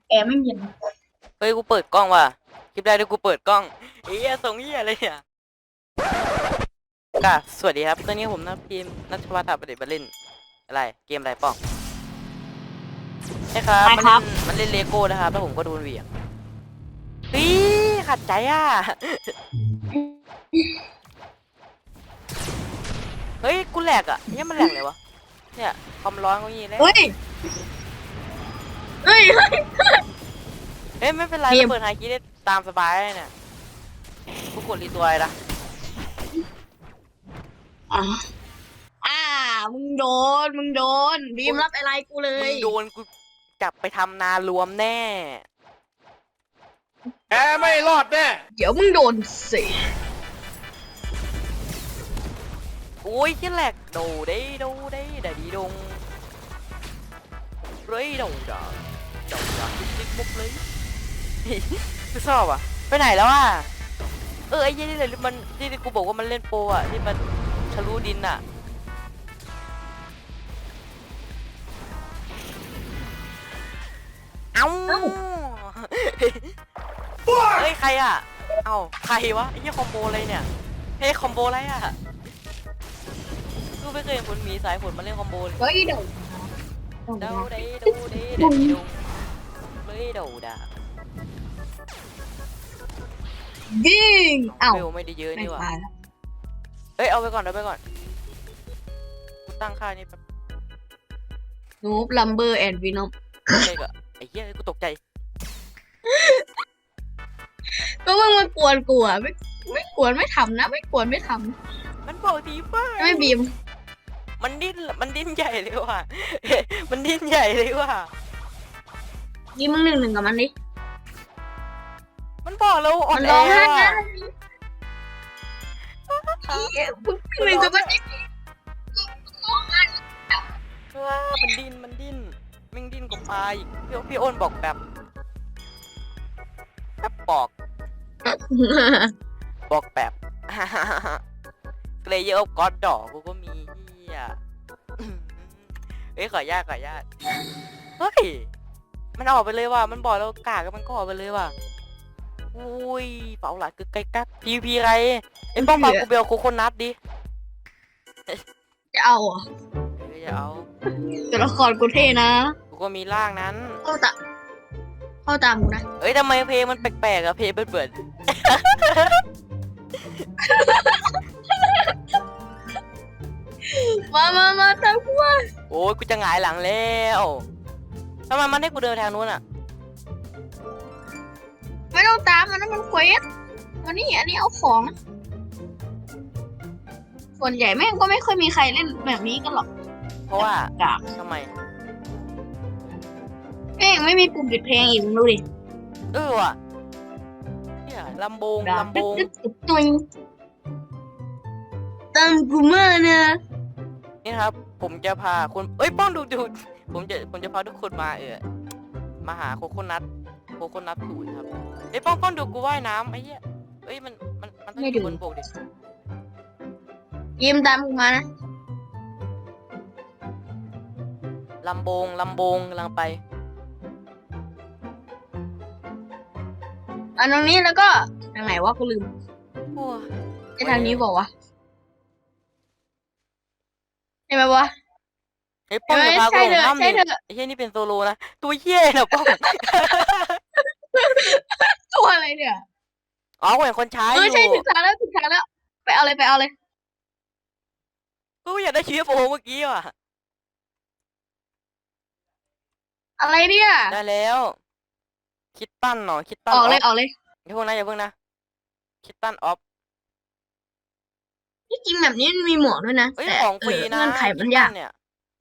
แอร์ไม่เย็นเฮ้ยกูเปิดกล้องว่ะคลิปได้ด้วยกูเปิดกล้องเฮ้ยส่งเหี้ยอะไรเนี่ยก็สวัสดีครับตอนนี้ผมนักพิมพ์นัทวัฒน์ประเดชมาเล่นอะไรเกมอะไรป้องใช่ครับไปครับมันเล่นเลโก้นะครับแล้วผมก็โดนเหวี่ยงเฮ้ยขัดใจอ่ะเฮ้ยกูแหลกอ่ะเนี่ยมันแหลกเลยวะเนี่ยความร้อนก็งี้แล้วเฮ้ยเฮ้ยเฮ้ยเฮ้ยไม่เป็นไรเกมเราเปิดไฮคีได้ตามสบายเลยเนี่ยกูกดรีตัวเลยนะอ่าอ่ามึงโดนบีมรับอะไรกูเลมึยงโดนกูจับไปทำนารวมแน่แกไม่รอดแน่เดี๋ยวมึงโดนสิโอ้ยที่แหลกโดได้ดาดีดงเรยโดดาติ๊กมุกเลยคือชอบอ่ะไปไหนแล้วอ่ะไอ้ยี่นี่เลยมันที่กูบอกว่ามันเล่นโปรอ่ะที่มันทะลุดินอ่ะเอ้าเฮ้ยใครอ่ะเอ้าใครวะไอ้ยี่คอมโบอะไรเนี่ยเฮ้ยคอมโบอะไรอ่ะกูไม่เคยเห็นคนมีสายฝนมาเล่นคอมโบเลยเฮ้ยโดนเดาได้ดูได้เด็ดดุงเลยเดาด่ายิงเอ้าเวลไม่ได้เยอะไม่นี่หว่าตายแล้วเฮ้ยเอาไปก่อนกูตั้งค่านี่แป๊บนูบลัมเบอร์แอนด์วินอมเลยก็ไอ้เหี้ยกูตกใจก็มึงมากวนกูอ่ะไม่กวนไม่ทำนะไม่กวนไม่ทมันบอกทีฟ้าำไม่บีมมันดิ้นใหญ่เลยว่ะมันดิ้นใหญ่เลยว่ะบีมมึงหนึ่งกับมันดิมันบอกเราอ่อมัน นแอร้องไห้ว่ะนะมึงหนึ่งกับมันดิร้องไห้ว้ามันดิ้นแม่งดิ้นกว่าปลาอีกพี่อ้นบอกแบบบอกแบบเกรเยอร์ก็อดดอกกูก็มีเหี้ยเฮ้ยขออนุญาตเฮ้ยมันออกไปเลยว่ะมันบอกเรากากมันก็ออกไปเลยว่ะอุ้ยเป่าหลักคือไกลกักพีไรไอ้ป้องปากกูเบลโคโคนัทดิจะเอาเหรอ่ะจะเอาตัวละครกูเท่นะกูก็มีร่างนั้นเข้าตามกูนะเอ้ยทำไมเพลงมันแปลกๆอะเพลงเปิดมาตามกูมาโอ้ยกูจะหงายหลังแล้วทำไมมันให้กูเดินทางนู้นอะไม่ต้องตามมันนะมันเควสวันนี้อันนี้เอาของนะส่วนใหญ่แม่งก็ไม่ค่อยมีใครเล่นแบบนี้กันหรอกเพราะว่ากากทำไมแม่งไม่มีปุ่มปิดเพลงอีกมึงดูดิว่ะเนี่ยลำโบงตึ๊ดตุยตามกูมานะนี่นะครับผมจะพาคนเอ้ยป้องดูผมจะพาทุกคนมามาหาโคโคนัทสูตรครับไอ้ยป้องดูกูว่ายน้ำไอ้เหี้ยเอ้ยมันต้องอยู่บนบกดิยิ้มตามกูมานะลำโบงกำลังไปอันตรงนี้แล้วก็ทางไหนวะกูลืมโอ้ยไอทางนี้บอกวะใช่ไหมวะไอ้ป้องจะพาใช่กูลเถงอะน้ำใช่ดิเถอะไอ้เหี้ยนี่เป็นโซโลนะตัวเหี้ยนะป้องตัวอะไรเนี่ยอ๋อกูเห็นคนใช้อใช่ยู่ถึงทางแล้วไปเอาเลยกูอยากได้ชีฟโอเมื่อกี้ว่ะอะไรเนี่ยได้แล้วคิดตั้นเนาะคิดตั้นออกเลยอย่าเพิ่งนะคิดตั้นออฟที่จริงแบบนี้มันมีหมวกด้วยนะเอ้ยแต่ของฟรีนะเงื่อนไขมันยากเนี่ย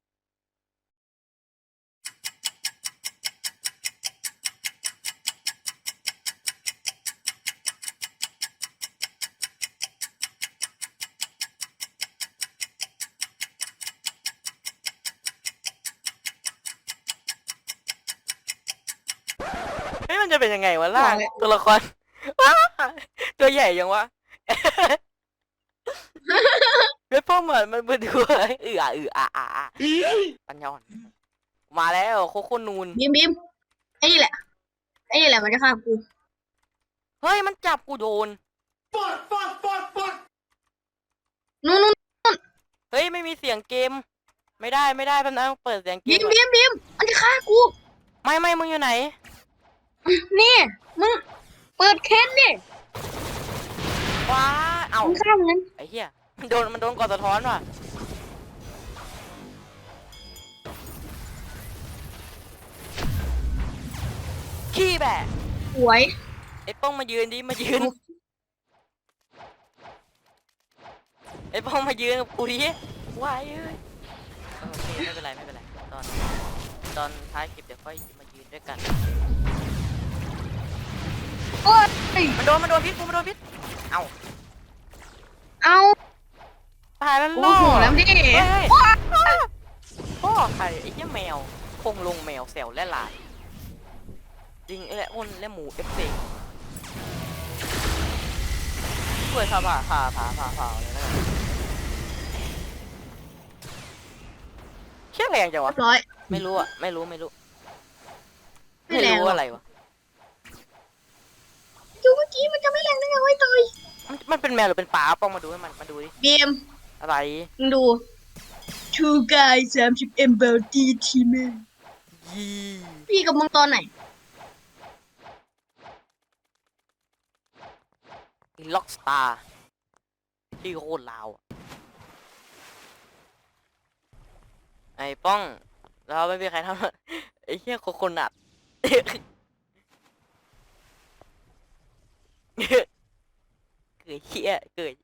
เฮ้ยมันจะเป็นยังไงวะล่างตัวละคร ว้าตัวใหญ่ยังวะ เว็บพ่อเหมือนมันเป็นตัวปัญญาอ่อนมาแล้วโคโค่นูนบีมไอ้นี่แหละยมันจะฆ่ากูเฮ้ยมันจับกูโดนนู่นเฮ้ยไม่มีเสียงเกม ไม่ได้แป๊บนึงเปิดเสียงเกบีมมบีมบีมมันจะฆ่ากูไม่มึงอยู่ไหนนี่มึงเปิดเค้นดิว้าเอ้ามึงฆ่ามันนั้นไอ้เหี้ยมันโดนก่อนสะท้อนว่ะขี้แบะสวยไอ้ป้องมายืนดิมายืนไอ้ป้องมายืนกับกูดิว้ายเอ้ยโอเคไม่เป็นไรตอนท้ายคลิปเดี๋ยวค่อยมายืนด้วยกันโอ้ยมันโดนพิษมันโดนพิษเอ้าเอาตายแล้วโอ้ล่อโหแล้วดิเฮ้ยพ่อใครไอ้เหี้ยแมวคงลงแมวแซวและลายจริงไอ้แหละอ้นและหมูเอฟซีช่วยผ่าเลยนะเชี่ยแรงจังเรีวะยบร้อยไม่รู้อะไม่รู้ไม่แรงหรอกอะไรวะดูเมื่อกี้มันจะไม่แรงได้ไงวะไอ้ตอยมันเป็นแมวหรือเป็นปลาป้องมาดูให้มันมาดูดิบีมอะไรมึงดู Two guys 30 MBD team ยี่พี่กับมึงตอนไหนล็อกสตาร์ที่โคตรลาวอะไอ้ป้องเราไม่มีใครทำไอ้เหี้ยคนอัด เกิดเหี้ยเกิด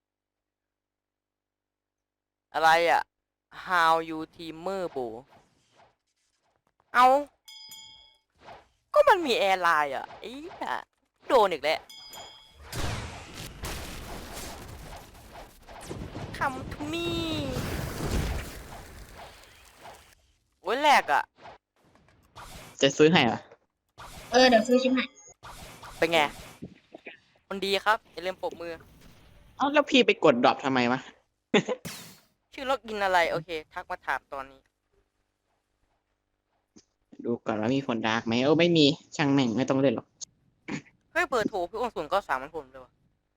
อะไรอ่ะ How you teamer ปูเอาก็มันมีแอร์ไลน์อ่ะไอ้เหี้ยโดนอีกแล้ว Come to me โอ้ยแหลกอ่ะจะซื้อให้เหรอเดี๋ยวซื้อชิมให้เป็นไง คนดีครับอย่าลืมปรบมือเอ้าแล้วพี่ไปกดดรอปทำไมวะชื่อล็อกอินอะไร โอเค ทักมาถามตอนนี้ดูก่อนว่ามีผลดาร์กไหมไม่มีช่างแม่งไม่ต้องเล่นหรอกเฮ้ยเบอร์โทรพี่อ้วนศูนย์ก็สามมันผมเลยวะ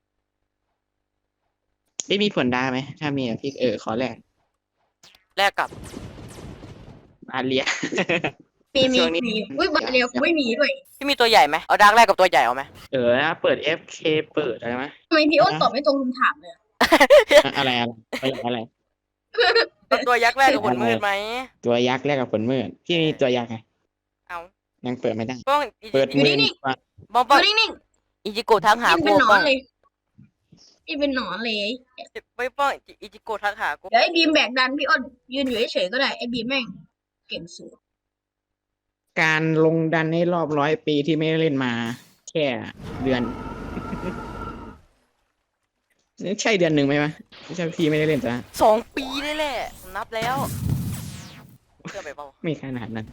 ไม่มีผลดาร์กไหมถ้ามีพี่ขอแลกแลกกับอาเลียมีช่วงนี้อุ้ยบัตรเรียวกูไม่มีด้วยที่มีตัวใหญ่ไหมเอาดาร์กแลกกับตัวใหญ่เอาไหมเปิด FK เปิดอะไรไหมทำไมพี่อ้นตอบไม่ตรงคำถามเลยอะอะไรตัวยักษ์แลกกับผลมืดไหมตัวยักษ์แลกกับผลมืดพี่มีตัวยักษ์ไงเอายังเปิดไม่ได้ป้องเปิดมือป้องอป้องยู่นิ่งอิจิโกะทักๆหาพี่กูเป็นหนอป้อน งเลยพี่เป็นหนอนเลยไม่ป้องอิจิโกะทักหากูเดี๋ยวไอ้บีมแบกดันพี่อ้นยืนอยู่เฉยๆก็ได้ไอ้บีมแม่งเก่งสุดการลงดันในรอบ100 ปีที่ไม่ได้เล่นมา แค่เดือน ใช่เดือนหนึ่งไหมวะไม่ใช่พี่ไม่ได้เล่นจ้ะ 2 ปีได้แหละนับแล้วเชื่อไปเปล่าไม่ขนาดนั้น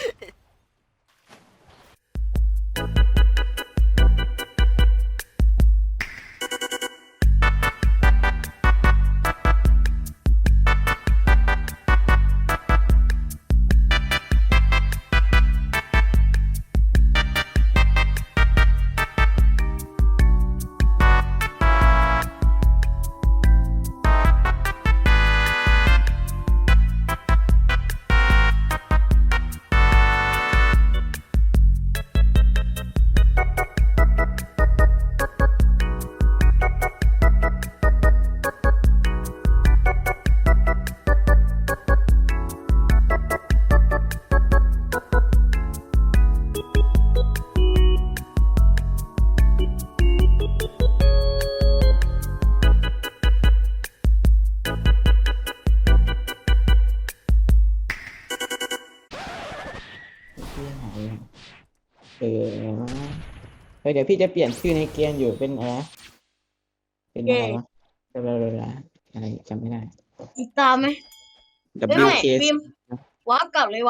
เออเดี๋ยวพี่จะเปลี่ยนชื่อในเกมอยู่เป็นอะไรนะเป็นอะไรวะอะไรจำไม่ได้ติดตามไหมไม่ WK บีมวาร์ปกลับเลย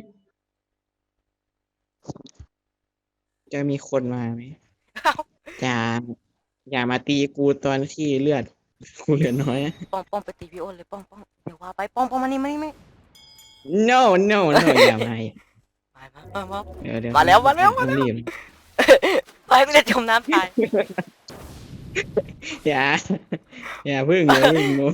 จะมีคนมาไหมเอ้าอย่ามาตีกูตอนที่เลือดกูเหลือน้อยนะป้องไปตีพี่อ้นเลยป้องเดี๋ยวว่าไปป้องมานี่ไม่ no อย่ามามาเดี๋ยวมาแล้วรีบไปกูจะจมน้ำตายอย่าอย่าพึ่งอย่าพึ่งหนู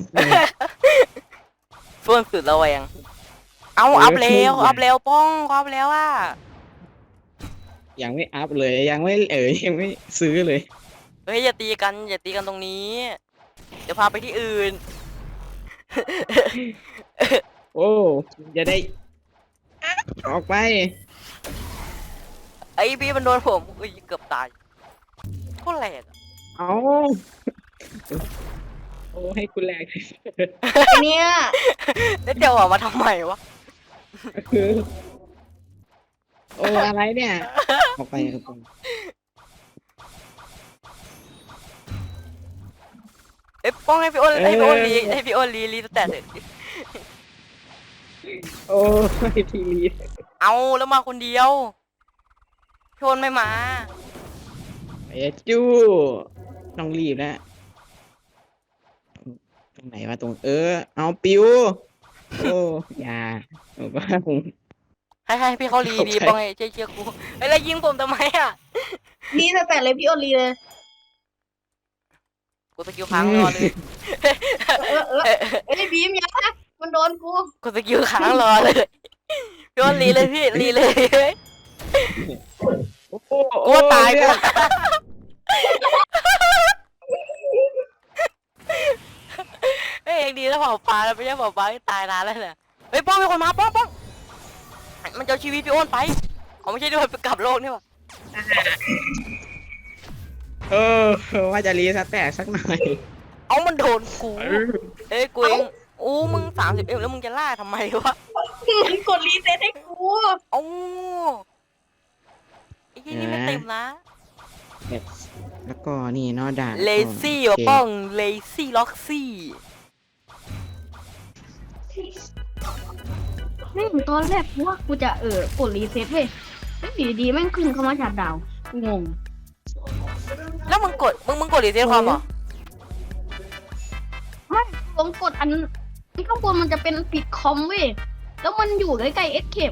ช่วงสุดระแวงเอาอัพแล้วอัพแล้วป้องอัพแล้วอ่ะยังไม่อัพเลยยังไม่ยังไม่ซื้อเลยเฮ้ยอย่าตีกันอย่าตีกันตรงนี้ เดี๋ยวพาไปที่อื่นโอ้จะได้ออกไปไอ้พี่มันโดนผมอุ้ยเกือบตายโคตรแรงอะเอาโอ้ให้คุณแรงเนี่ยแล้วเดี๋ยวออกมาทำไมวะคือโอ้อะไรเนี่ยออกไปครับผมเอ้ยป้องให้พี่อ้นให้พี่อ้นรีให้พี่อ้นรีสแตทเถอะโอ้ยทีรีเอาแล้วมาคนเดียวพี่อ้นไม่มาเอจู้ต้องรีบแล้วตรงไหนวะตรงเอาปิวโอ้อย่าบอกว่าผมให้พี่เขารีดีป้องให้เชื่อกูเอ้ยแล้วยิงผมทำไมอ่ะดีแต่เลยพี่โอลีเลยกูสกิลค้างรอเลยเอ้ยบีมอย่ามันโดนกูกูสกิลค้างรอเลยพี่อ้นรีเลยพี่รีเลยโอ้กูตายกูเฮ้ยเองดีแล้วเผาปลาแล้วไม่ใช่เผาปลาที่ตายนานแล้วเนี่ยเฮ้ยป้องมีคนมาป้องมันจะเอาชีวิตพี่อ้นไปเขาไม่ใช่ด้วยไปกลับโลกนี่หว่าว่าจะรีสแตกสักหน่อยเอามันโดนกูเอ้ยกูเองอู้มึง30Mแล้วมึงจะล่าทำไมวะมันกดรีเซ็ตให้กูเอ้าไอ้ที่นี่ไม่เต็มนะแล้วก็นี่เนอด่านเลซี่ว่ะป้องเลซี่ล็อกซี่ไม่เหมือนตอนแรกว่ากูจะกดรีเซ็ตเว้ยแล้วอยู่ดีๆแม่งขึ้นเข้ามาจากดาวงงแล้วมึงกดรีเซ็ตความเหรอไม่ลงกดอันที่ข้างบนมันจะเป็นปิดคอมเว้ยแล้วมันอยู่ใกล้ๆเอสเคป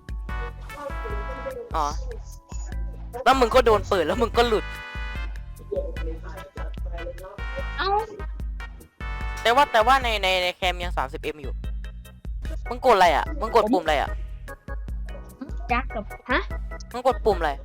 อ๋อแล้วมึงก็โดนเปิดแล้วมึงก็หลุดเอ้าแต่ว่าในแคมยัง 30M อยู่มึงกดอะไรอ่ะมึงกดปุ่มอะไรอ่ะจักกับฮะมึงกดปุ่มอะไร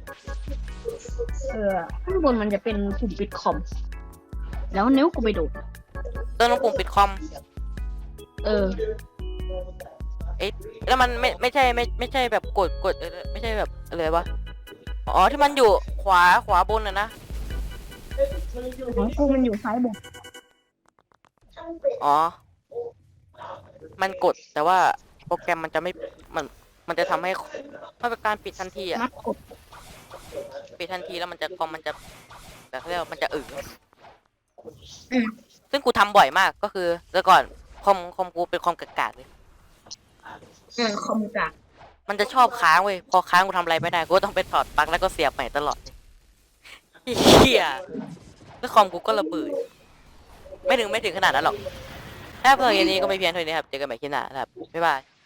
ข้างบนมันจะเป็นปุ่มปิดคอม แล้วนิ้วกูไปโดดเติมลงปุ่มปิดคอมเออเอ๊ะแล้วมันไม่ใช่แบบกดไม่ใช่แบบอะไรวะอ๋อที่มันอยู่ขวาบนนะของกูมันอยู่ซ้ายบนอ๋อมันกดแต่ว่าโปรแกรมมันจะไม่มันจะทำให้มันเป็นการปิดทันทีอ่ะมัดกดปิดทันทีแล้วมันจะคอมมันจะแบบเรียกว่ามันจะซึ่งกูทำบ่อยมากก็คือแต่ก่อนคอมกูเป็นคอมกากๆเลยคอมกากมันจะชอบค้างเว้ยพอค้างกูทำอะไรไม่ได้กูก็ต้องไปถอดปลั๊กแล้วก็เสียบใหม่ตลอดเฮียแล้วคอมกูก็ระเบิดไม่ถึงขนาดนั้นหรอกถ้าเพื่อนอย่างนี้ก็ไม่เพียงเท่านี้ครับเจอกันใหม่คลิปหน้าครับบ๊ายบาย